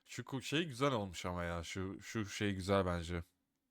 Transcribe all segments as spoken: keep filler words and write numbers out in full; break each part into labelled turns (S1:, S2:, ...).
S1: Şu ku- şey güzel olmuş ama ya. Şu şu şey güzel bence.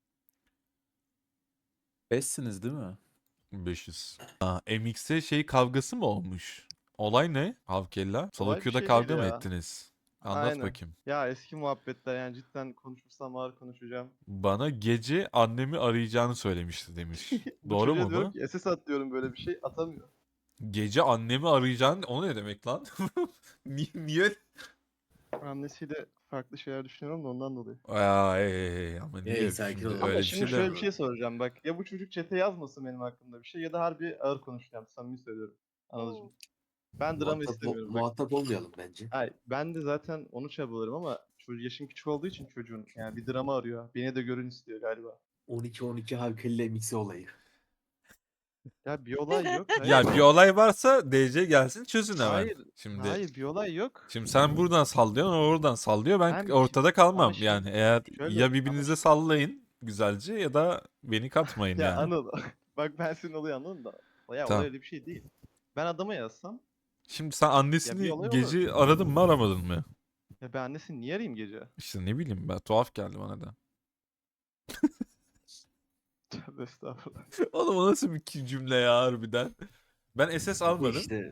S2: Beşsiniz değil mi?
S1: beş yüz. Aa, M X'e şey kavgası mı olmuş? Olay ne? Havkella. Solo
S3: Olay bir
S1: queue'da
S3: şey değil
S1: kavga mı
S3: ya.
S1: ettiniz? Anlat
S3: Aynen.
S1: bakayım.
S3: Ya eski muhabbetler yani cidden konuşursam ağır konuşacağım.
S1: Bana gece annemi arayacağını söylemişti demiş.
S3: Bu
S1: Doğru
S3: çocuğa
S1: mu
S3: diyorum
S1: bu?
S3: ki S S at diyorum böyle bir şey atamıyor.
S1: Gece annemi arayacağını o ne demek lan? Niye? niye?
S3: Annesiyle farklı şeyler düşünüyorum da ondan dolayı.
S1: Aa, ey, ey, ama
S4: Ey,
S1: niye
S4: sakin
S1: şimdi
S4: ol.
S3: Ama
S1: öyle bir
S3: şimdi
S1: şey
S3: şöyle
S1: de
S3: bir şey soracağım bak. Ya bu çocuk çete yazmasın benim hakkımda bir şey ya da harbi ağır konuşacağım. Samimi söylüyorum. Anılcım. Ben drama
S4: Muhatap, ol-
S3: istemiyorum bak.
S4: muhatap olmayalım bence.
S3: Ay, ben de zaten onu çabalarım ama çocuk yaşım küçük olduğu için çocuğun yani bir drama arıyor. Beni de görün istiyor galiba.
S4: on iki on iki Havkelle mixi olayı.
S3: Ya bir olay yok. Hayır.
S1: ya bir olay varsa D C gelsin çözün hemen.
S3: Hayır.
S1: Şimdi
S3: Hayır bir olay yok.
S1: şimdi sen buradan sallıyorsun, o oradan sallıyor. Ben
S3: Ben bir-
S1: ortada
S3: ama
S1: kalmam.
S3: şimdi
S1: Yani eğer
S3: şöyle
S1: ya
S3: ama
S1: birbirinize
S3: şimdi-
S1: sallayın güzelce ya da beni katmayın
S3: ya
S1: yani.
S3: Anıl bak ben senin olayı anladım da. Ya olay
S1: Tamam.
S3: öyle bir şey değil. Ben adama yazsam
S1: Şimdi sen
S3: ya
S1: annesini
S3: bir olay olur.
S1: gece aradın mı aramadın mı?
S3: Ya ben annesini niye arayayım gece?
S1: İşte ne bileyim ben, tuhaf geldi bana da.
S3: Tövbe estağfurullah.
S1: Oğlum o nasıl bir ki- cümle ya harbiden. Ben S S
S4: Bu
S1: almadım.
S4: işte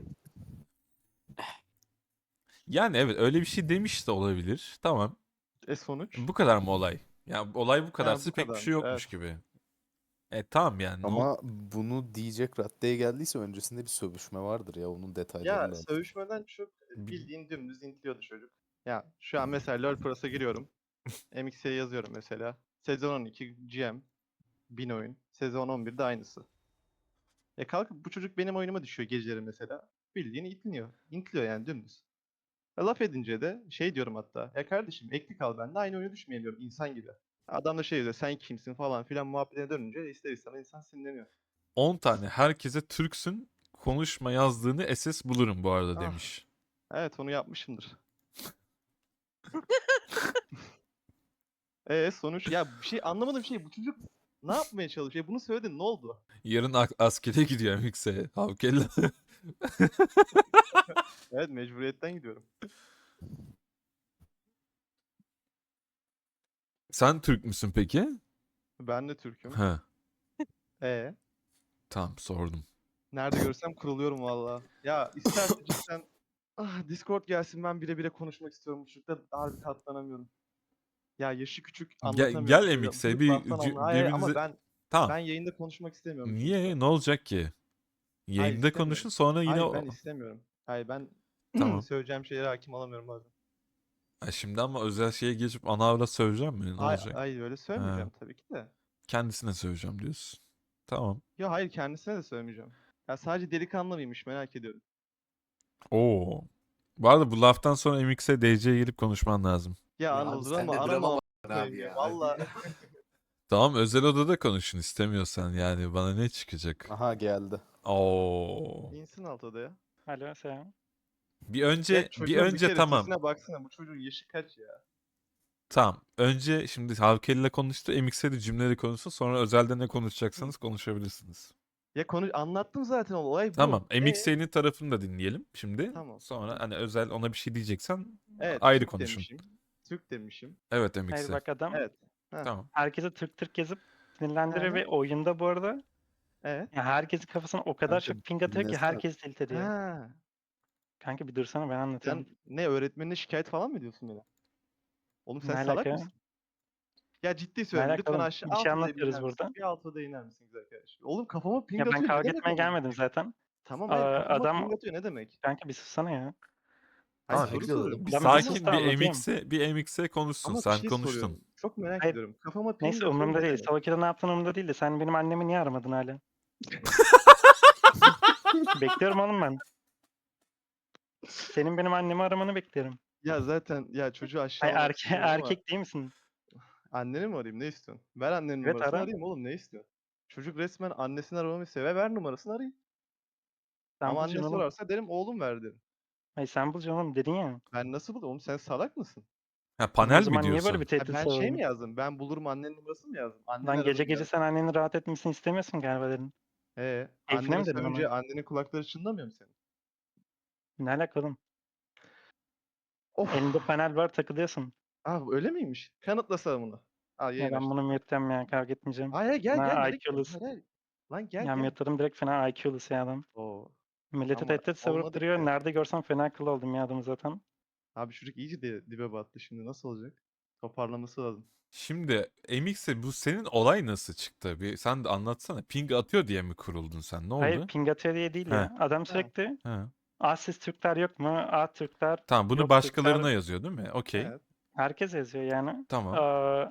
S1: Yani evet öyle bir şey demiş de olabilir. Tamam.
S3: E sonuç?
S1: Bu kadar mı olay? Ya olay bu
S3: Ha
S1: kadarsa
S3: bu
S1: pek bir şey
S3: kadarmış.
S1: yokmuş
S3: Evet.
S1: gibi. E tamam yani. Ne ol-
S2: Ama bunu diyecek raddeye geldiyse öncesinde bir sövüşme vardır ya. Onun detayları
S3: Ya
S2: lazım.
S3: sövüşmeden çok
S1: Bil-
S3: bildiğin dümdüz intliyordu çocuk. Ya şu an mesela LoL Pro'sa giriyorum. M X'e yazıyorum mesela. Sezon on iki G M. bin oyun. Sezon on birde aynısı. E kalkıp bu çocuk benim oyunuma düşüyor geceleri mesela. Bildiğin intliyor. İntliyor yani dümdüz. E, laf edince de şey diyorum hatta. Ya kardeşim ekli kal benimle aynı oyunu düşmeyelim diyorum insan gibi. Adam da şey diyor sen kimsin falan filan muhabbetine dönünce ister istemez insan sinirleniyor.
S1: on tane herkese Türksün konuşma yazdığını S S bulurum bu arada
S3: Ah
S1: demiş.
S3: evet onu yapmışımdır. E sonuç ya bir şey anlamadığım şey bu çocuk ne yapmaya çalışıyor? E, bunu söyledin ne oldu?
S1: Yarın ak- askere gidiyor M X'e. Havkella.
S3: Evet mecburiyetten gidiyorum.
S1: Sen Türk müsün peki?
S3: Ben de Türk'üm.
S1: Ha,
S3: E
S1: tamam sordum.
S3: nerede görsem kuruluyorum valla. Ya isterse cidden ah, Discord gelsin ben bire bire konuşmak istiyorum. Bu çocukta harbi katlanamıyorum. Ya yaşı küçük
S1: Gel,
S3: anlatamıyorum.
S1: gel
S3: Böyle
S1: M X'e
S3: büyük
S1: bir
S3: laftan
S1: c-
S3: anla. Hayır, hayır, ama
S1: birbirinize...
S3: ben
S1: Tamam.
S3: ben yayında konuşmak istemiyorum bu çocukla.
S1: Niye? Ne olacak ki?
S3: Hayır
S1: Yayında
S3: istemiyorum.
S1: konuşun sonra yine...
S3: Hayır ben
S1: o-
S3: istemiyorum. Hayır ben
S1: Tamam.
S3: söyleyeceğim şeylere hakim olamıyorum bazen.
S1: Ha, şimdi ama özel şeye geçip ana avrat söveceğim mi? Ne
S3: Hayır,
S1: olacak?
S3: hayır öyle
S1: Ha,
S3: söylemeyeceğim tabii ki de.
S1: kendisine söveceğim diyorsun. Tamam.
S3: Ya hayır kendisine de söylemeyeceğim. Ya sadece delikanlı mıymış merak ediyorum.
S1: Oo. Bu arada bu laftan sonra M X'e D C'ye gelip konuşman lazım.
S3: Ya,
S4: ya
S3: Anıl
S4: abi
S3: drama
S4: sende
S3: arama
S4: drama
S3: amına
S4: var
S3: koyayım
S4: abi
S3: ya.
S4: ya.
S3: Valla.
S1: Tamam özel odada konuşun istemiyorsan yani bana ne çıkacak?
S2: Aha geldi.
S1: Oo.
S3: İnsin alt odaya.
S5: Alo selam.
S1: Bir
S3: Ya
S1: önce bir
S3: çocuğun bir
S1: önce
S3: kere
S1: tamam.
S3: sesine baksana bu çocuğun yaşı kaç ya?
S1: Tamam. Önce şimdi Havkel ile konuştu. M X'e de cümleleri konuşsun. Sonra özelde ne konuşacaksanız konuşabilirsiniz.
S3: Ya konu anlattım zaten olay bu.
S1: Tamam.
S3: E,
S1: M X'in tarafını da dinleyelim şimdi.
S3: Tamam.
S1: Sonra hani özel ona bir şey diyeceksen
S3: Evet,
S1: ayrı
S3: Türk
S1: konuşun.
S3: demişim. Türk demişim.
S1: Evet
S5: Hayır
S1: M X'e.
S5: bak adam
S3: Evet. Heh.
S1: Tamam.
S5: herkese Türk Türk yazıp sinirlendiriyor
S3: Hı
S5: ve oyunda bu arada
S3: Evet.
S5: ya herkesin kafasına o kadar
S2: Kanka
S5: çok ping atıyor ki
S2: dinlesene.
S5: herkes tilt ediyor.
S3: Ha.
S5: Kanka bir dursana ben anlatıyorum.
S3: Sen ne öğretmenine şikayet falan mı ediyorsun beni? Oğlum sen
S5: Ne
S3: salak
S5: alaka?
S3: mısın? Ya ciddi
S5: Ne
S3: söylüyorum.
S5: alaka
S3: Lütfen
S5: oğlum?
S3: aşağı
S5: Bir
S3: alt
S5: şey
S3: odaya bir iner
S5: anlatıyoruz
S3: misin?
S5: burada.
S3: Bir alt odaya iner misiniz arkadaş? Oğlum kafama ping
S5: Ya ben
S3: atıyor. Ne
S5: kavga
S3: demek
S5: etmeye
S3: oğlum?
S5: gelmedim zaten.
S3: Tamam
S5: Aa,
S3: hayır kafama
S5: adam
S3: ping atıyor ne demek?
S5: kanka bir sussana ya.
S3: Hayır
S1: Tamam,
S3: soru
S4: sakin olalım.
S3: soruyorum.
S1: Bir
S5: Ben bir sus
S1: sakin
S5: da
S1: bir
S5: anlatayım.
S1: M X'e bir M X'e konuşsun.
S3: Ama bir
S1: Sen
S3: şey
S1: konuştun.
S3: soruyorum. Çok merak
S5: Hayır.
S3: ediyorum. Kafama ping
S5: Neyse
S3: atıyor
S5: umurumda
S3: ne
S5: değil.
S3: demek?
S5: Savakide ne yaptığın umurumda değil de sen benim annemi niye aramadın hala? Bekliyorum oğlum ben. Senin benim annemi aramanı bekliyorum.
S3: Ya zaten ya çocuğu
S5: Ay
S3: aşağılamak
S5: erke
S3: istemiyorum ama
S5: erkek değil misin?
S3: anneni mi arayayım ne istiyorsun? Ver annenin
S5: Evet
S3: numarasını
S5: ara.
S3: arayayım oğlum ne istiyorsun? Çocuk resmen annesini aramamı istiyor. Ve ver numarasını arayayım.
S5: Sen
S3: Ama
S5: bulacaksın
S3: anne
S5: oğlum.
S3: sorarsa derim oğlum ver derim.
S5: Ay sen bulacaksın oğlum dedin ya.
S3: Ben nasıl bulayım? Oğlum sen salak mısın?
S1: Ha
S5: Oğlum o
S1: panel mi
S5: zaman niye böyle bir
S1: diyorsun?
S3: Ha,
S5: tehdit
S3: ben şey mi
S5: savundun?
S3: yazdım? Ben bulurum annenin numarasını mı yazdım? Anneni
S5: Lan gece
S3: ararım
S5: gece
S3: yazdım.
S5: sen annenin rahat etmesini istemiyorsun galiba dedin.
S3: Ee,
S5: Keyfine
S3: annene
S5: mi dedin
S3: sövünce
S5: onu?
S3: annenin kulakları çınlamıyor mu senin?
S5: Ne alaka oğlum?
S3: Of.
S5: Elinde panel var takılıyorsun.
S3: Aa öyle miymiş? Kanıtlasana bunu. Al
S5: Ya
S3: yayın
S5: ben
S3: açtım.
S5: bunu mute'lem ya kavga etmeyeceğim.
S3: Hayır hayır, gel
S5: Fena
S3: gel direkt.
S5: I Q'lus.
S3: Hayır, hayır. Lan gel
S5: Ya
S3: gel.
S5: mute'ladım direkt fena I Q'lus ya adam.
S3: Oo.
S5: Milleti
S3: Ama
S5: tehdit savurup
S3: olmadı
S5: duruyor.
S3: ki.
S5: Nerede görsem fena kıl oldum ya adamı zaten.
S3: Abi çocuk iyice de dibe battı şimdi nasıl olacak? Toparlaması lazım.
S1: Şimdi M X'e bu senin olay nasıl çıktı? Bir sen de anlatsana. Ping atıyor diye mi kuruldun sen? Ne
S5: Hayır
S1: oldu?
S5: ping atıyor diye değil
S1: He.
S5: ya. Adam
S3: Ha.
S5: sürekli
S1: He.
S5: A siz Türkler yok mu? A Türkler
S1: Tamam bunu
S5: yok
S1: başkalarına
S5: Türkler.
S1: yazıyor değil mi? Okey.
S3: Evet.
S5: Herkes yazıyor yani.
S1: Tamam.
S5: Aa,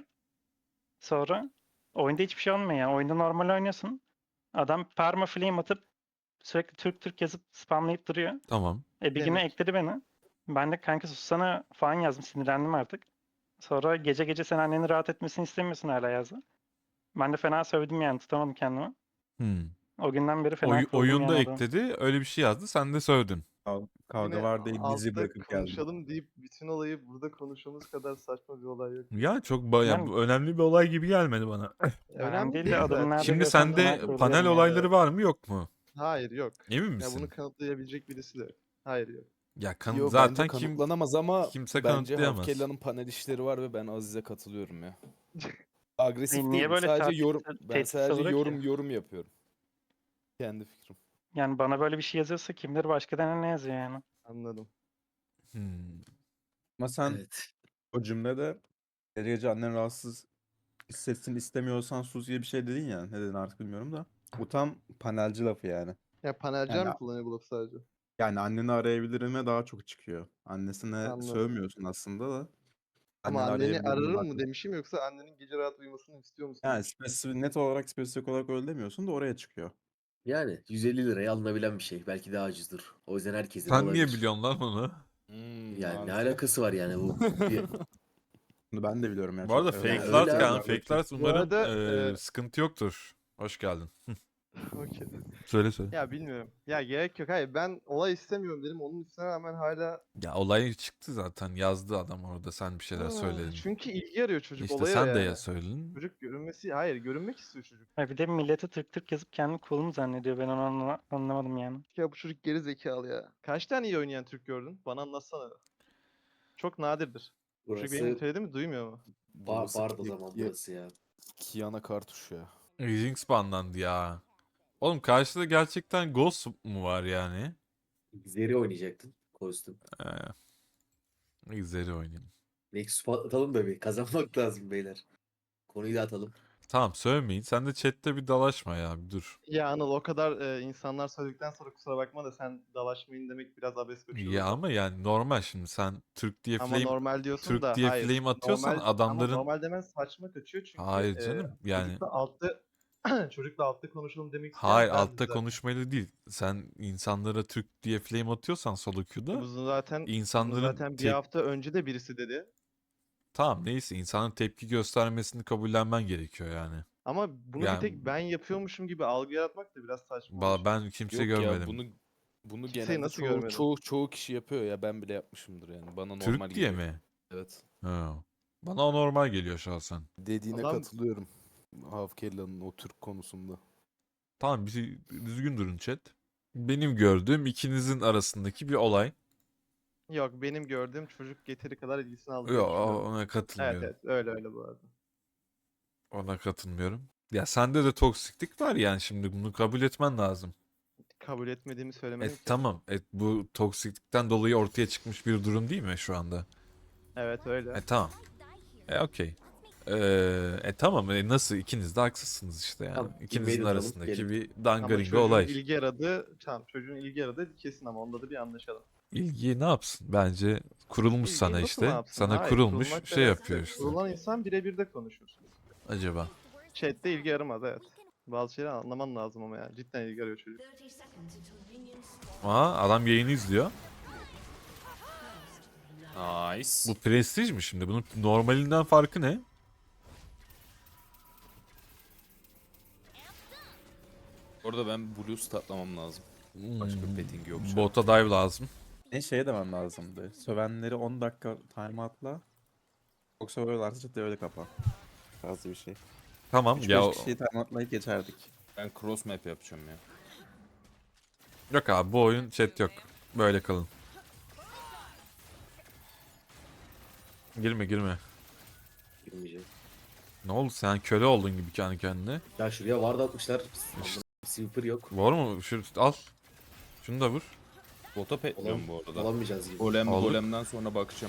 S5: sonra oyunda hiçbir şey olmuyor ya. Oyunda normal oynuyorsun. Adam perma flame atıp sürekli Türk Türk yazıp spamlayıp duruyor.
S1: Tamam.
S5: E bir güne
S3: Demek.
S5: ekledi beni. Ben de kanka sussana falan yazdım. Sinirlendim artık. Sonra gece gece sen anneni rahat etmesini istemiyorsun hala yazdı. Ben de fena sövdüm yani tutamadım kendimi.
S1: Hmm.
S5: O günden beri fena
S1: Oy-
S5: kırıldım
S1: oyunda
S5: yani adam.
S1: ekledi. Öyle bir şey yazdı. Sen de sövdün.
S6: Kav- Kavga
S3: Yine
S6: var değil dizi
S3: altta
S6: bırakıp geldim.
S3: konuşalım deyip bütün olayı burada konuşmamız kadar saçma bir olay yok.
S1: Ya çok baya
S5: Yani-
S1: önemli bir olay gibi gelmedi bana.
S5: Önemli değil de
S3: değil
S5: adamın
S3: zaten.
S5: nerede
S1: Şimdi
S5: görsem fena
S1: sende
S5: kırılıyorum
S1: panel
S5: ya.
S1: olayları var mı yok mu?
S3: Hayır yok.
S1: Emin
S3: Ya
S1: misin?
S3: bunu kanıtlayabilecek birisi de yok. Hayır yok.
S1: Ya kan-
S2: Yo,
S1: zaten
S2: bence
S1: kim
S2: kanıtlanamaz ama
S1: kimse
S2: bence
S1: kanıtlayamaz.
S2: Havkella'nın panel işleri var ve ben Aziz'e katılıyorum ya. Agresif
S5: E, niye
S2: değilim.
S5: böyle
S2: Sadece
S5: tehdit-
S2: yorum ben
S5: tehdit
S2: sadece
S5: savuruyor ki?
S2: yorum yorum yapıyorum. Kendi fikrim.
S5: Yani bana böyle bir şey yazıyorsa kimdir başka ne yazıyor yani.
S3: Anladım.
S1: Hmm.
S6: Ama sen
S4: Evet.
S6: o cümlede gece gece annen rahatsız hissetsin istemiyorsan sus diye bir şey dedin ya. Ne dedin artık bilmiyorum da. Bu tam panelci lafı yani.
S3: Ya panelciler
S6: Yani-
S3: mi kullanıyor bu lafı sadece?
S6: Yani anneni arayabilirim ve daha çok çıkıyor. Annesine
S3: Anladım.
S6: sövmüyorsun aslında da.
S3: Ama
S6: Anneni
S3: anneni
S6: arayabilirim
S3: ararım
S6: daha
S3: mı
S6: çok-
S3: demişim yoksa annenin gece rahat uyumasını istiyor musun?
S6: Yani
S3: demişim.
S6: spesifik, net olarak spesifik olarak öyle demiyorsun da oraya çıkıyor.
S4: Yani yüz elli liraya alınabilen bir şey. Belki daha ucuzdur. O yüzden herkesin
S1: Sen
S4: olabilir.
S1: niye biliyorsun lan onu?
S2: Hmm,
S4: Yani ne
S2: mantıklı.
S4: alakası var yani bu? Bir-
S6: Bunu ben de biliyorum ya.
S1: Bu arada
S6: çok-
S1: fake
S4: öyle
S1: last
S4: abi.
S1: kan, fake last
S3: Bu
S1: umarım
S3: arada,
S1: eee,
S3: e-
S1: sıkıntı yoktur. Hoş geldin.
S3: Okey.
S1: Söyle söyle.
S3: Ya bilmiyorum. Ya gerek yok. Hayır ben olay istemiyorum dedim. Onun üstüne rağmen hala...
S1: Ya olay çıktı zaten. Yazdı adam orada. Sen bir şeyler
S3: Aa,
S1: söyledin.
S3: Çünkü ilgi arıyor çocuk
S1: İşte
S3: olaya
S1: sen de
S3: yani.
S1: ya söyledin.
S3: Çocuk görünmesi... Hayır görünmek istiyor çocuk.
S5: Ha bir de millete Türk Türk yazıp kendini cool mu zannediyor ben onu anla- anlamadım yani.
S3: Ya bu çocuk geri zekalı ya. Kaç tane iyi oynayan Türk gördün? Bana anlatsana. Çok nadirdir. Çocuk
S4: Burası
S3: benim söylediğimi duymuyor mu?
S4: bar,
S2: Burası
S4: bardı o
S2: Ki-
S4: zaman
S2: Ki-
S4: burası ya.
S2: Kiana Kartuş ya.
S1: Jinx banlandı ya. Oğlum karşıda gerçekten Ghost mu var yani?
S4: Zeri oynayacaktın kostüm.
S1: Ee, Zeri oynayayım.
S4: Nexus atalım da bir kazanmak lazım beyler. Konuyu da atalım.
S1: Tamam söylemeyin. Sen de chatte bir dalaşma ya. Bir dur.
S3: Ya Anıl o kadar e, insanlar söyledikten sonra kusura bakma da sen dalaşmayın demek biraz abes kaçıyor.
S1: Ya
S3: burada.
S1: ama yani normal şimdi sen Türk diye
S3: Ama
S1: flame
S3: normal diyorsun
S1: Türk
S3: da
S1: diye
S3: hayır.
S1: flame atıyorsan
S3: Normal,
S1: adamların
S3: ama normal demen saçma kaçıyor çünkü
S1: Hayır
S3: e,
S1: canım, yani-
S3: çocukla altta çocukla altta konuşalım demek isteyen
S1: hayır
S3: bendim
S1: altta
S3: zaten.
S1: konuşmalı değil. Sen insanlara Türk diye flame atıyorsan solo queue'da
S3: Bunu zaten bunu
S1: insanların
S3: zaten bir
S1: tep-
S3: hafta önce de birisi dedi.
S1: tamam neyse insanın tepki göstermesini kabullenmen gerekiyor yani.
S3: Ama bunu
S1: Yani-
S3: bir tek ben yapıyormuşum gibi algı yaratmak da biraz saçma.
S1: Ba-
S3: olur.
S1: ben kimse
S2: Yok
S1: görmedim.
S2: ya bunu bunu
S3: Kimseyi
S2: genelde
S3: nasıl
S2: çoğu,
S3: görmedin?
S2: çoğu çoğu kişi yapıyor ya ben bile yapmışımdır yani. Bana normal
S1: Türk diye
S2: geliyor.
S1: mi?
S2: Evet.
S1: Ha. Bana normal geliyor şahsen.
S2: Dediğine
S3: Adam-
S2: katılıyorum. Havkella'nın o Türk konusunda.
S1: Tamam bir düzgün durun chat. Benim gördüğüm ikinizin arasındaki bir olay.
S3: Yok benim gördüğüm çocuk yeteri kadar ilgisini aldı.
S1: Yok ona katılmıyorum.
S3: Evet evet öyle öyle bu arada.
S1: Ona katılmıyorum. Ya sende de toksiklik var yani şimdi bunu kabul etmen lazım.
S3: Kabul etmediğimi
S1: E,
S3: söylemedim ki.
S1: tamam. E, bu toksiklikten dolayı ortaya çıkmış bir durum değil mi şu anda?
S3: Evet öyle.
S1: E tamam. E okey. E, e tamam. E, nasıl ikiniz de haksızsınız işte yani.
S4: Tamam,
S1: İkinizin
S4: invader alalım,
S1: arasındaki
S4: gelin.
S1: bir
S3: Ama
S1: dangaringa
S3: çocuğun
S1: olay.
S3: ilgi aradığı, tamam çocuğun ilgi aradığı kesin ama onda da bir anlaşalım.
S1: İlgiyi ne yapsın? Bence kurulmuş
S3: İlgiyi
S1: sana
S3: nasıl ne
S1: işte.
S3: yapsın?
S1: Sana
S3: Hayır,
S1: kurulmuş
S3: kurulmak
S1: şey
S3: demez.
S1: yapıyor işte.
S3: Kurulan insan birebir de konuşur.
S1: Acaba.
S3: Chat'te ilgi aramaz evet. Bazı şeyleri anlaman lazım ama ya. Cidden ilgi arıyor çocuk.
S1: Aa adam yayını izliyor.
S2: Nice.
S1: Bu prestij mi şimdi? Bunun normalinden farkı ne?
S2: Orada ben Blue statlamam lazım. Başka
S1: Hmm,
S2: petting yok. şu an.
S1: Bota dive lazım.
S6: Ne şeye demem lazımdı. Sövenleri on dakika timeoutla. Yoksa böyle artık ciddi öyle kapa. Tarzı bir şey.
S1: Tamam
S6: üç
S1: ya.
S6: beş kişiyi timeoutlayıp geçerdik.
S2: Ben cross map yapacağım ya.
S1: Yok abi bu oyun chat yok. Böyle kalın. Girme girme.
S4: Girmeyeceğim.
S1: Ne oldu sen köle oldun gibi kendi kendine.
S4: Ya şuraya ward atmışlar. Sweeper yok.
S1: Var mı? Şu, al. Şunu da vur.
S7: Bota petliyorum
S4: Olan,
S7: bu arada.
S4: olamayacağız gibi.
S7: Golem
S1: Olur.
S7: golemden sonra bakacağım.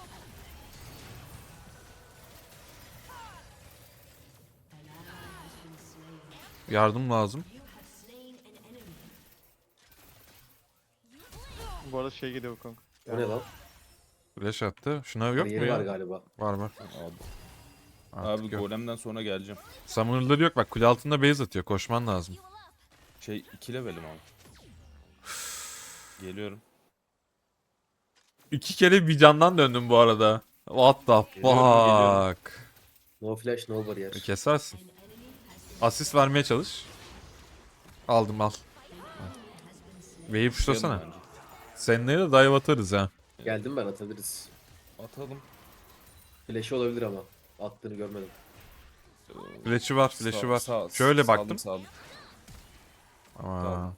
S1: Yardım lazım.
S3: Bu arada şey geliyor Wukong.
S4: O ne lan?
S1: Flash attı. Şuna yok mu
S4: Bariyeri var
S1: ya?
S4: galiba.
S1: Var var.
S7: Abi,
S1: Artık
S7: abi
S1: yok.
S7: golemden sonra geleceğim.
S1: Summoner'ları yok bak kule altında base atıyor. Koşman lazım.
S7: Şey iki levelim abi. Geliyorum.
S1: İki kere bir candan döndüm bu arada. What the
S7: Geliyorum, geliyorum.
S1: fuck.
S4: No flash, no bariyer.
S1: Kesersin. Asist vermeye çalış. Aldım al. Wave'i puşlasana.
S7: Bence.
S1: Seninle de dive atarız ha.
S4: Geldim ben, atabiliriz.
S7: Atalım.
S4: Flash'ı olabilir ama. Attığını görmedim.
S1: Flash'ı var, flash'ı
S7: Sağ-
S1: var.
S7: sağ-
S1: Şöyle
S7: sağdım,
S1: baktım.
S7: sağdım.
S1: Aa.
S7: Tamam.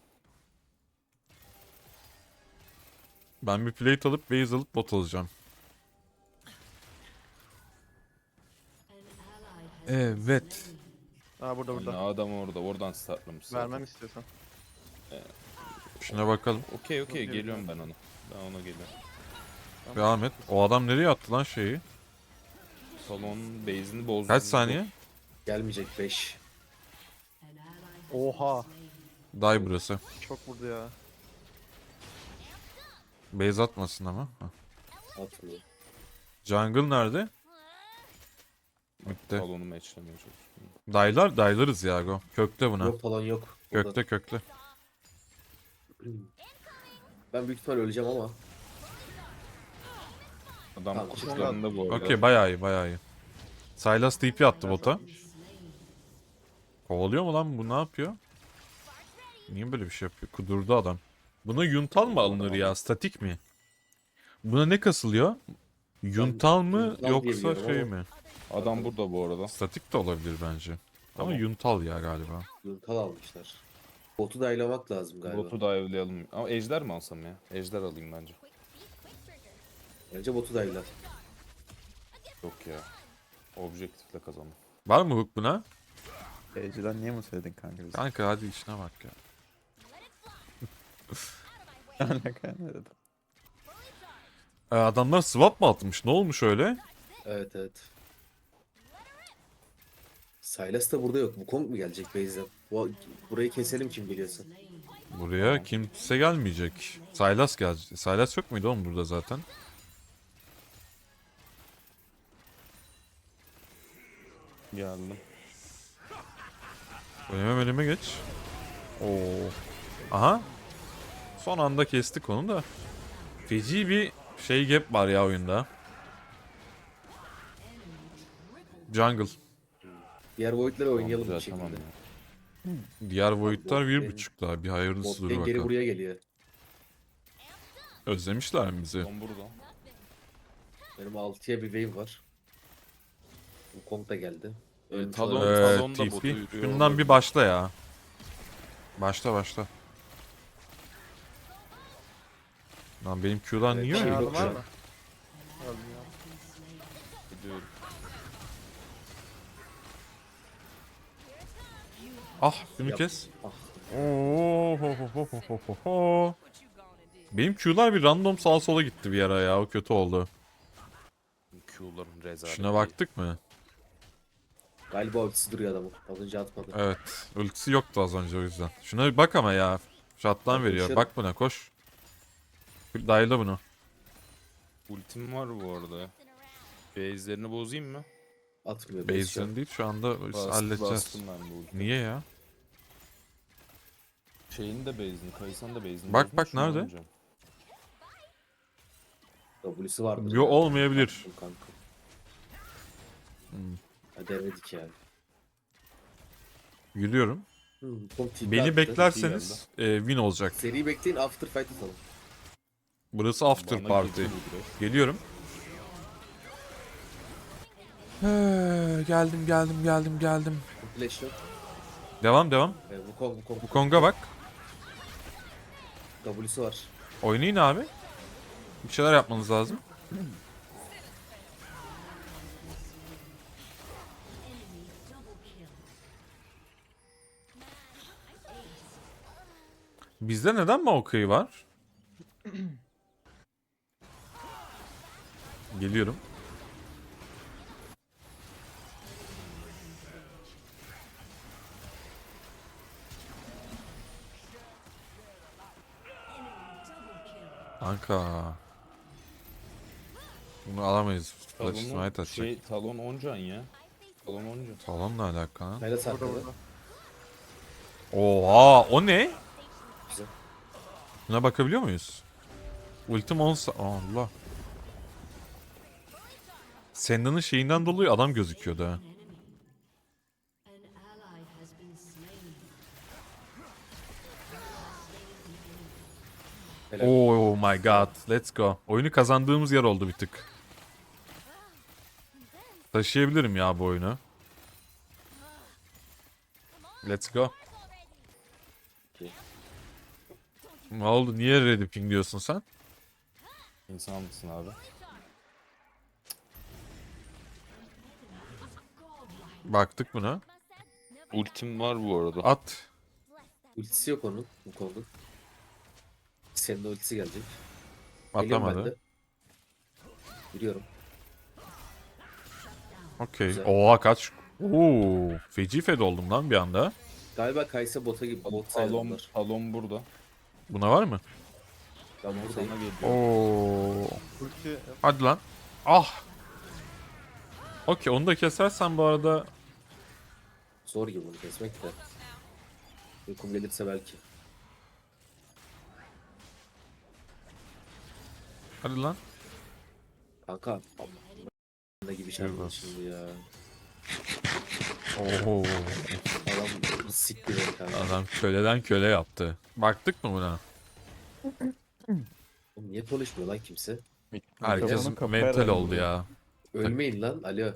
S1: Ben bir plate alıp base alıp bot alacağım. Evet.
S3: Aa burada burada.
S7: Aynen, adam orada. Oradan startlamış zaten.
S3: Vermem istiyorsan.
S1: Şuna bakalım.
S7: Okey okey
S3: Okey,
S7: geliyorum ben ona. Ben ona geliyorum.
S1: Devam et. O adam nereye attı lan şeyi?
S7: Salonun base'ini bozdu.
S1: Kaç saniye?
S4: Gelmeyecek beş.
S3: Oha.
S1: Dive burası.
S3: Çok vurdu ya.
S1: Base atmasın ama. Hah.
S4: Atmıyor.
S1: Jungle nerede? Bitti.
S7: Salonu matchlemeye çalışıyorum.
S1: Daylar, daylarız ya go. Kökle buna.
S4: Yok falan yok. burada.
S1: Kökle kökle.
S4: Ben büyük ihtimal öleceğim ama.
S7: Adam
S4: Tamam,
S7: kuşlarında bu arada.
S1: Okey bayağı iyi bayağı iyi. Sylas T P attı bota. Kovalıyor mu lan bu ne yapıyor? Niye böyle bir şey yapıyor? Kudurdu adam. Buna yuntal mı alınır ya? Statik mi? Buna ne kasılıyor? Yuntal mı
S4: yuntal
S1: yoksa
S4: diyebiliyorum
S1: şey
S4: ama-
S1: mi?
S7: Adam burada bu arada.
S1: Statik de olabilir bence. Ama
S7: Tamam.
S1: yuntal ya galiba.
S4: Yuntal almışlar. Botu da aylamak lazım galiba.
S7: Botu da evleyelim. Ama ejder mi alsam ya? Ejder alayım bence.
S4: Bence botu da ayla.
S7: Yok ya. Objektifle kazandım.
S1: Var mı hook buna?
S6: Seyirciden niye mi söyledin kanka bize?
S1: Kanka hadi işine bak ya.
S6: Ne alaka ne dedim?
S1: Ee, adamlar swap mı atmış? Ne olmuş öyle?
S4: Evet evet. Sylas da burada yok. Wukong mu gelecek base'den? Bu, burayı keselim kim geliyorsa.
S1: Buraya kimse gelmeyecek. Sylas gelecek. Sylas yok muydu oğlum burada zaten?
S7: Geldim.
S1: Öneme öneme geç. Oo. Aha. Son anda kestik onu da. Feci bir şey gap var ya oyunda. Jungle.
S4: Diğer Void'leri oynayalım
S7: Tamam,
S4: bir
S7: güzel,
S4: şekilde.
S7: tamam ya.
S1: Diğer Void'lar bir
S4: lane-
S1: buçuk daha. Bir hayırlısı
S4: Bot
S1: dur
S4: lane geri
S1: bakalım.
S4: buraya geliyor.
S1: Özlemişler mi bizi?
S7: Son burada.
S4: Benim altıya bir wave var. Wukong da geldi. Ölmüş
S7: Talon-
S4: olabilir.
S1: Ee,
S7: Salonda
S1: T
S7: botu
S1: P.
S7: yürüyor
S1: Şundan
S7: olabilir.
S1: bir başla ya. Başla başla. Lan benim Q'dan
S4: Evet,
S1: niye
S4: şey
S1: öyle?
S4: yok
S3: Yardım var
S4: şu an.
S3: mı? Öldüm ya.
S7: Gidiyorum.
S1: Ah şunu
S4: Yap.
S1: kes.
S4: Ah,
S1: Oo, ho, ho, ho, ho, ho, ho. Benim Q'lar bir random sağa sola gitti bir ara ya. O kötü oldu.
S7: Q'ların rezalet.
S1: Şuna baktık mı?
S4: galiba ultisi duruyor adamın. Az önce atmadı.
S1: Evet. Ultisi yoktu az önce o yüzden. Şuna bir bak ama ya. Shot'tan veriyor.
S4: Koşuyorum.
S1: Bak buna koş. Dayla bunu.
S7: Ultim var bu arada. Base'lerini bozayım mı?
S4: Atmıyor. base şu an.
S1: Base'den değil şu anda
S7: Bastım,
S1: halledeceğiz.
S7: bastım ben bu ultimi.
S1: Niye ya?
S7: Şeyin de base'ini, Kaysan da base'ini.
S1: Bak,
S7: bozmuş
S1: bak,
S7: mu
S1: nerede?
S7: amcam?
S4: W'si vardır.
S1: Yo olmayabilir.
S4: Attım kanka.
S1: Hmm.
S4: Ha, denedik yani.
S1: Yürüyorum.
S4: Hı, Wukong tipi
S1: Beni
S4: attı.
S1: beklerseniz e, win olacak.
S4: Seri bekleyin, after fight atalım.
S1: Burası after
S7: Bana
S1: party.
S7: girdi bu direkt.
S1: Geliyorum. Ee, geldim geldim geldim geldim.
S4: Flash yok.
S1: Devam devam.
S4: Ee, Wukong, Wukong.
S1: Bu Kong'a bak.
S4: W'si var.
S1: Oynayın abi. Bir şeyler yapmanız lazım. Bizde neden Maokai var? Geliyorum. Kanka. Bunu alamayız. Flash
S7: Talon'un
S1: Smite atacak.
S7: şey talon on can ya. Talon on can.
S1: Talonla alakalı.
S4: Kayla
S3: Burada
S4: sakladı.
S3: burada.
S1: Oha, o ne?
S4: Güzel.
S1: Buna bakabiliyor muyuz? Ultim on sa- Allah. Senda'nın şeyinden dolayı adam gözüküyordu ha.
S4: Helal.
S1: Oh my god. Let's go. Oyunu kazandığımız yer oldu bir tık. Taşıyabilirim ya bu oyunu. Let's go.
S4: Okey.
S1: Ne oldu? Niye ready ping diyorsun sen?
S7: İnsan mısın abi?
S1: Baktık buna.
S7: Ultim var bu arada.
S1: At.
S4: Ultisi yok onun. Bu konuda. Senin de ultisi gelecek. Geliyorum ben
S1: Atlamadı.
S4: de. Biliyorum.
S1: Okey.
S4: Güzel.
S1: Oha kaç. Oo, feci fed oldum lan bir anda.
S4: Galiba Kaysa bota gibi bot sayılır
S7: Talon,
S4: bunlar.
S7: talon burada.
S1: Buna var mı?
S4: Ben
S7: Sana
S4: buradayım.
S7: geliyor.
S1: Oo.
S3: Ulti
S1: Hadi lan. Ah. Okey, onu da kesersen bu arada
S4: Zor gibi bunu kesmek de. Uykum gelirse belki.
S1: hadi lan.
S4: Kanka. Ne gibi şey
S1: Eyvah.
S4: var şimdi ya.
S1: Oo.
S4: Adam sikti beni kanka.
S1: Adam köleden köle yaptı. Baktık mı buna?
S4: Oğlum niye konuşmuyor lan kimse?
S1: Herkes
S6: Mikrofonun kapı
S1: mental
S6: herhalde
S1: oldu
S6: bu.
S1: ya.
S4: Ölmeyin lan. Alo.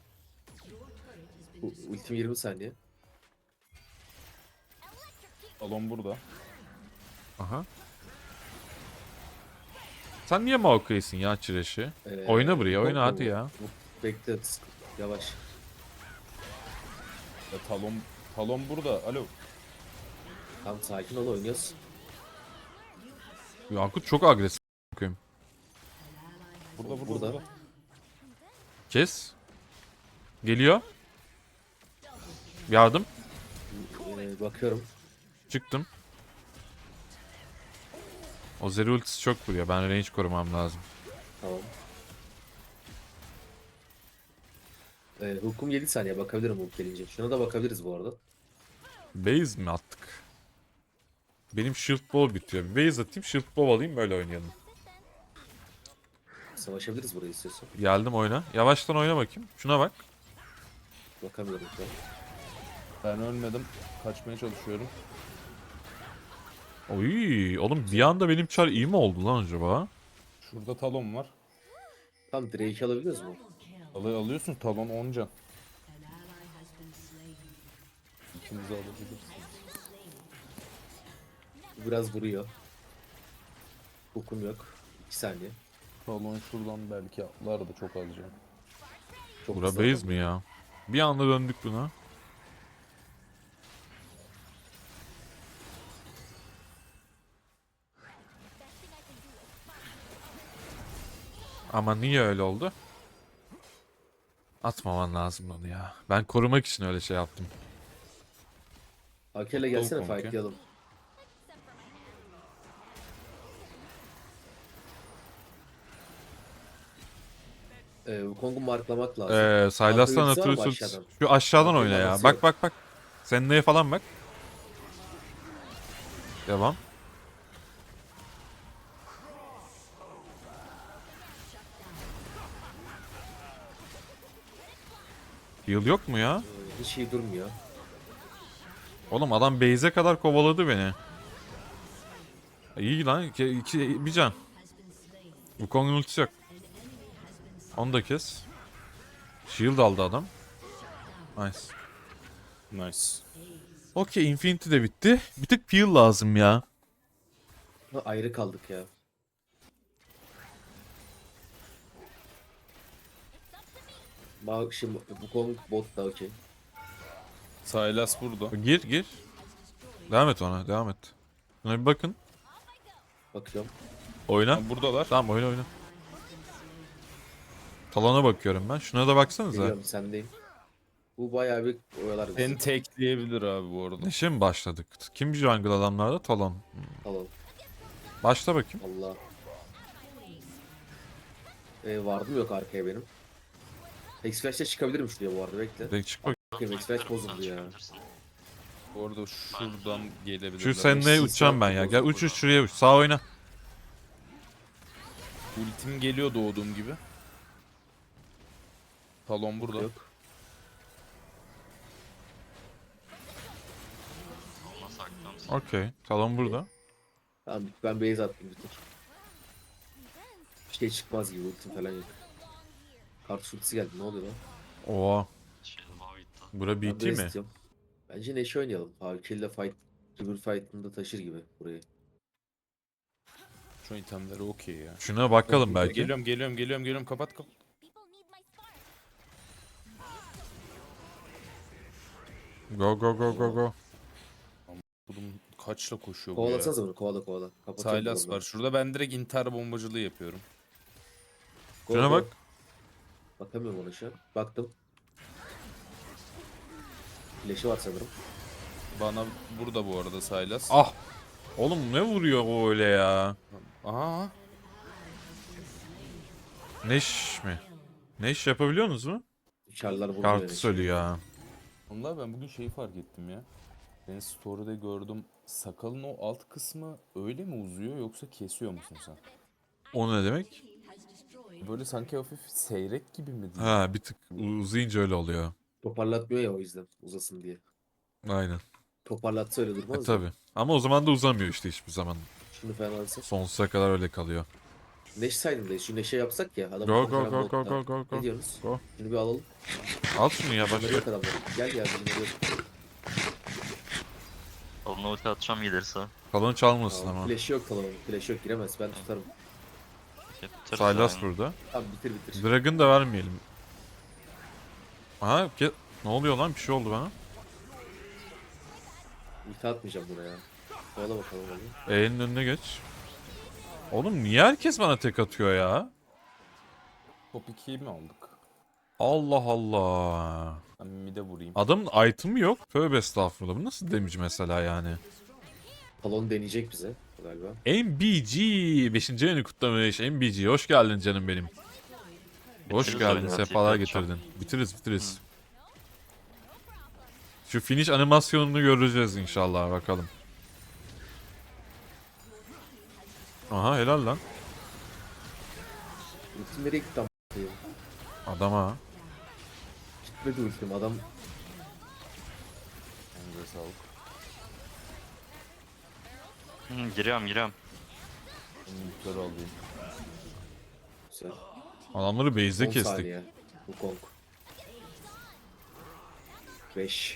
S4: Bu ultim yirmi saniye.
S7: Talon burada.
S1: Aha. Sen niye Maokai'sin ya Çireş'i?
S4: Ee,
S1: Oyna buraya,
S4: yok
S1: oyna
S4: mu
S1: hadi
S4: bu?
S1: ya.
S4: Bu- Bekle. sık- Yavaş.
S7: Ya talon talon burada. Alo.
S4: Tamam sakin ol oynuyoruz.
S1: Yankut çok agresif. Bakayım.
S7: Burada burada
S4: Burada.
S7: burada.
S1: Kes. Geliyor. Yardım.
S4: Ee, bakıyorum.
S1: Çıktım. O Zeri ultisi çok vuruyor. Ben range korumam lazım.
S4: Tamam. Ee, hukum yedi saniye bakabilirim hukuk gelince. Şuna da bakabiliriz bu arada.
S1: Base mi attık? Benim shield ball bitiyor. Bir base atayım, shield ball alayım, böyle oynayalım.
S4: Savaşabiliriz burayı istiyorsan.
S1: Geldim oyna. Yavaştan oyna bakayım. Şuna bak.
S4: Bakamıyorum şu an.
S7: Ben ölmedim. Kaçmaya çalışıyorum.
S1: Oy, oğlum bir anda benim çar iyi mi oldu lan acaba?
S7: Şurada talon var.
S4: Tam Drake'i alabiliyoruz mu?
S7: Alay alıyorsun talon on can. İkinizi alabilirsiniz.
S4: Bu biraz vuruyor. Hukum yok. iki saniye.
S7: Talon şuradan belki atlar da çok az can.
S4: Çok
S1: Bura
S4: hızlı
S1: base
S4: adam.
S1: mi ya? Bir anda döndük buna. Ama niye öyle oldu? Atmaman lazım onu ya. Ben korumak için öyle şey yaptım.
S4: Akel'e gelsene
S7: Konke.
S4: fightlayalım. Ee, Wukong'u marklamak lazım.
S1: Ee, Sylas'tan
S4: Ultisi var mı
S1: atıyorsun.
S4: aşağıdan?
S1: Şu aşağıdan
S4: Aklımda
S1: oyna ya.
S4: nasıl
S1: Bak
S4: yok?
S1: bak bak. Sen neye falan bak. Devam. Heal yok mu ya?
S4: Ee, hiç iyi durmuyor.
S1: Oğlum adam base'e kadar kovaladı beni. İyi lan. İki, iki, bir can. Bu Kong'un ultisi yok. Onu da kes. Shield aldı adam. Nice.
S7: Nice.
S1: Okey, Infinity de bitti. Bir tık peel lazım ya.
S4: Ha, ayrı kaldık ya. Bak şimdi Wukong bot da okey.
S7: Sylas burada.
S1: Gir gir. Devam et ona, devam et. Buna bir bakın.
S4: Bakıyorum.
S1: Oyna.
S7: Ha, buradalar.
S1: Tamam oyna oyna. Talona bakıyorum ben. Şuna da baksanıza.
S4: Biliyorum sendeyim. Bu bayağı bir oyalar bizi.
S7: Seni tekleyebilir abi bu arada.
S1: Neşe mi başladık? Kim jungle adamlarda? Talon.
S4: Tamam.
S1: Başla bakayım.
S4: Allah. Ee, vardım yok arkaya benim. X-Flash'te çıkabilirim şuraya bu arada bekle.
S1: Direkt çık bak.
S4: Bakayım X-Flash bozuldu ya.
S7: Bu arada şuradan gelebilirler.
S1: Şu seninle
S4: Siz
S1: uçacağım ben
S4: yok,
S1: ya. Gel
S4: bozuldu.
S1: uç uç şuraya uç. Sağ oyna.
S7: Ultim geliyor doğduğum gibi. Talon burada.
S4: Yok.
S1: Okey. Talon burada.
S4: Tamam ben base attım bir tek. Bir şey çıkmaz gibi ultim falan yok. Kart ultisi geldi ne oluyor lan?
S1: Oha. Bura
S4: Ben
S1: B T
S4: base
S1: mi?
S4: istiyorum. Bence Neşe oynayalım. Havkille fight, River Fight'ında taşır gibi burayı.
S7: Şu itemleri okey ya.
S1: Şuna bakalım belki.
S7: Geliyorum geliyorum geliyorum geliyorum kapat kapat.
S1: Go go go go go.
S7: Bunun kaçla koşuyor bu ya.
S4: Kovalasanıza bunu kovala kovala. Kapatıyorum
S7: Sylas
S4: bunu.
S7: var. Şurada ben direkt intihar bombacılığı yapıyorum.
S4: Go,
S1: Şuna
S4: go.
S1: bak.
S4: Bakamıyorum ona şu an. Baktım. Flash'ı var sanırım.
S7: Bana burada bu arada Sylas.
S1: Ah. Oğlum ne vuruyor o öyle ya?
S7: Aha.
S1: Neş mi? Neş yapabiliyorsunuz mu?
S4: Çarlar vurdu
S1: Kartı
S4: beni.
S1: söylüyor ya.
S7: Vallahi ben bugün şeyi fark ettim ya. Ben story'de gördüm. Sakalın o alt kısmı öyle mi uzuyor yoksa kesiyor musun sen?
S1: O ne demek?
S7: Böyle sanki hafif seyrek gibi mi değil?
S1: Ha bir tık uzayınca öyle oluyor.
S4: Toparlatmıyor ya o yüzden uzasın diye.
S1: Aynen.
S4: Toparlatsa öyle
S1: E
S4: durmaz mı?
S1: tabi. Ama o zaman da uzamıyor işte hiçbir zaman.
S4: Şunu falan alsak.
S1: Sonsuza kadar öyle kalıyor.
S4: Neş saydım da şu Neşe yapsak ya. Adam
S1: Go go
S4: falan
S1: go go
S4: modda.
S1: go go
S4: Ne
S1: go.
S4: diyorsunuz?
S1: Go.
S4: Şunu bir alalım.
S1: Al şunu ya
S4: Bunları
S1: başka.
S4: yok adamlar. Gel ya bunları yok.
S8: Alına ulti atacağım gelirse.
S1: Talon çalmasın
S4: Tamam.
S1: ama.
S4: Flash yok falan. Flash yok giremez. Ben tutarım.
S8: Bitiririz
S1: Sylas
S8: yani.
S1: burada.
S4: Tamam bitir bitir.
S1: Dragon da vermeyelim. Aha ge- ne oluyor lan bir şey oldu bana.
S4: Ulti atmayacağım buna ya. Kovala bakalım hadi.
S1: E'nin önüne geç. Oğlum niye herkes bana tek atıyor ya?
S7: Top ikiyi mi aldık?
S1: Allah Allah.
S7: Ben mid'e vurayım.
S1: Adamın item'ı yok. Tövbe estağfurullah. Bu nasıl damage mesela yani?
S4: Talon deneyecek bize galiba.
S1: M B G. beşinci ayını kutlamış. M B G. Hoş geldin canım benim. Hoş
S8: Bitiririz
S1: geldin.
S8: oyunu,
S1: Sefalar
S8: tekrar
S1: getirdin. Bitiririz bitiririz. Şu finish animasyonunu göreceğiz inşallah. Bakalım. Aha helal lan.
S4: Ultim nereye gitti am-
S1: Adama.
S4: Gitmedi ultim adam.
S7: Elinize sağlık.
S8: Hı, giriyorum giriyorum.
S7: Ben yükleri alayım.
S4: Güzel.
S1: Adamları base'de
S4: on
S1: kestik.
S4: saniye. Bu Kong. beş.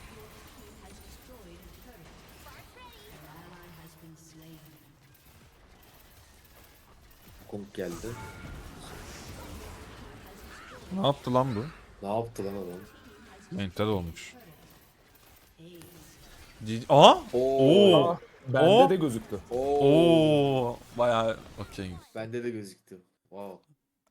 S4: Kong geldi.
S1: Ne yaptı lan bu?
S4: Ne yaptı lan adam?
S1: Mental olmuş. C- Aa! Oo!
S7: Bende
S1: O-
S7: de gözüktü.
S4: Oo.
S1: Oo! Bayağı okey.
S4: Bende de gözüktü. Wow.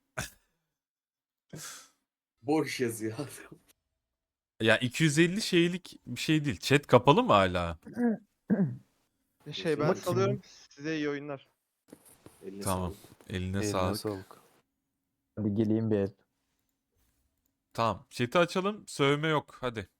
S4: Boş yazıyor adam.
S1: Ya iki yüz elli şeylik bir şey değil. Chat kapalı mı hala?
S3: Şey ben
S4: Bakayım.
S3: salıyorum. Size iyi oyunlar.
S4: Eline
S1: Tamam.
S4: sağlık.
S1: Eline
S2: Eline
S1: sağlık.
S2: sağlık.
S9: Hadi geleyim bir el.
S1: Tamam. Chat'i açalım. Sövme yok. Hadi.